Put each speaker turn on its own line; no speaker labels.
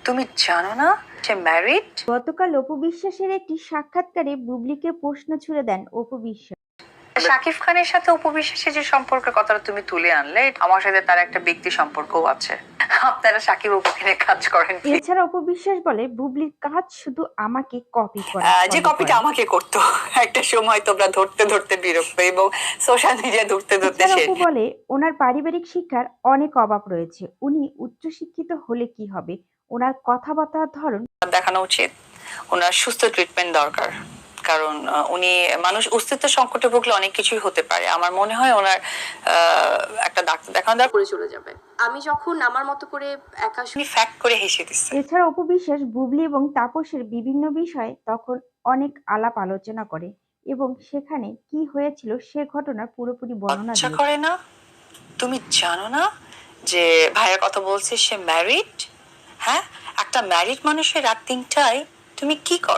তুমি জানো না সে ম্যারিড?
গতকাল অপু বিশ্বাসের একটি সাক্ষাৎকারে বুবলিকে প্রশ্ন ছুড়ে দেন অপু বিশ্বাস।
শাকিব খানের সাথে অপু বিশ্বাসের যে সম্পর্কের কথাটা তুমি তুলে আনলে, আমার সাথে তার একটা ব্যক্তি সম্পর্কও আছে। আপনারা শাকিব অপুকে নিয়ে কাজ করেন।
এছাড়া অপু বিশ্বাস বলে বুবলির কাজ শুধু আমাকে কপি করা,
যে কপিটা আমাকে করতো একটা সময় তোমরা ধরতে ধরতে বিরক্ত এবং সোশ্যাল মিডিয়া ধরতে ধরতে
এছাড়া অপু বলে ওনার পারিবারিক শিক্ষার অনেক অভাব রয়েছে, উনি উচ্চশিক্ষিত হলে কি হবে, ওনার কথাবার্তার ধরন
দেখানো উচিত। ওনার সুস্থ ট্রিটমেন্ট দরকার, কারণ উনি মানুষ অস্তিত্ব সংকটে ভুগলে অনেক কিছুই হতে পারে। আমার মনে হয় ওনার একটা ডাক্তার দেখানো দরকার, করে চলে যাবে। আমি যখন আমার মতো করে একা ফ্যাক্ট করে হেসে দিচ্ছে।
এছাড়া অপু বিশ্বাস বুবলি এবং তাপসের বিভিন্ন বিষয়ে তখন অনেক আলাপ আলোচনা করে এবং সেখানে কি হয়েছিল সে ঘটনার পুরোপুরি বর্ণনা
আচ্ছা
দিয়ে।
করে না, তুমি জানো না যে ভাইয়ের কথা বলছে সে ম্যারিড? হ্যাঁ, একটা ম্যারিড মানুষের রাত 3টায় তুমি কি করো?